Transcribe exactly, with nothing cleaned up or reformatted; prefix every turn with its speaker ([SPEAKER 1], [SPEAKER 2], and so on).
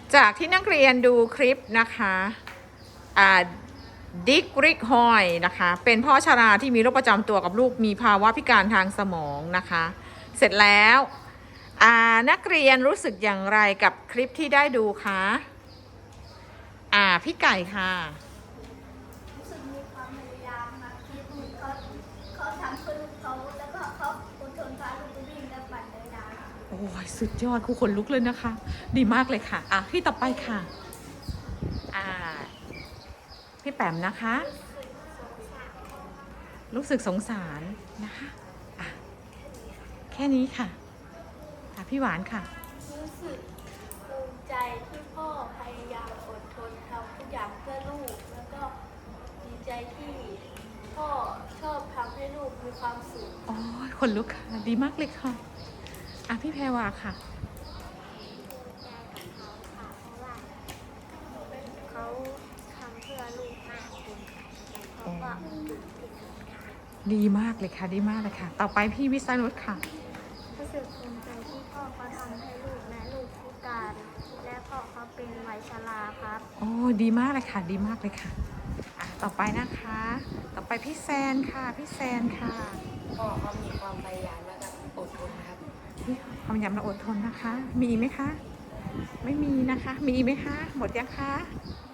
[SPEAKER 1] จากที่นักเรียนดูคลิปนะคะดิกริกฮอยนะคะเป็นพ่อชราที่มีโรคประจำตัวกับลูกมีภาวะพิการทางสมองนะคะเสร็จแล้วนักเรียนรู้สึกอย่างไรกับคลิปที่ได้ดูคะอ่าพี่ไก่ค่ะ
[SPEAKER 2] รู้สึกมีความพยายามนะที่ลูกเขาเขาทำเพื่อลูกเขาแล้วก็เขาอดทนพาลูกไปวิ่งและปั่นจักรยาน
[SPEAKER 1] โอ้ยสุดยอดครูขนลุกเลยนะคะดีมากเลยค่ะอ่ะที่ต่อไปค่ะอ่าพี่แปมนะคะรู้สึกสงสารนะคะอ่ะแค่นี้ค่ะอ่ะพี่หวานค่ะ
[SPEAKER 2] รู้สึกภูมิใจที่พ่อพยายามอดทนทำทุกอย่างเพื่อลูกแล้วก็ดีใจที่พ่อชอบทำให้ลูกมีความสุข
[SPEAKER 1] โอ้ยขนลุกค่ะดีมากเลยค่ะอ่ะพี่แพรวาค่ะ
[SPEAKER 2] เขาทำเพื่อลูกมากจริงค่ะเขาก็
[SPEAKER 1] ดีมากเลยค่ะดีมากเลยค่ะต่อไปพี่วิษณุค่ะ
[SPEAKER 2] รู้สึกภูมิใจที่พ่อเขาทำให้ลูกและลูกพิการและพ่อเขาเป็นวัยชราครับ
[SPEAKER 1] โอ้ดีมากเลยค่ะดีมากเลยค่ะอ่ะต่อไปนะคะต่อไปพี่แซนค่ะพี่แซนค่ะ
[SPEAKER 3] พ่อเขามีความพยายามและก็อดทนครับ
[SPEAKER 1] ความพยายามและอดทนนะคะมีไหมคะไม่มีนะคะมีไหมคะหมดยังคะ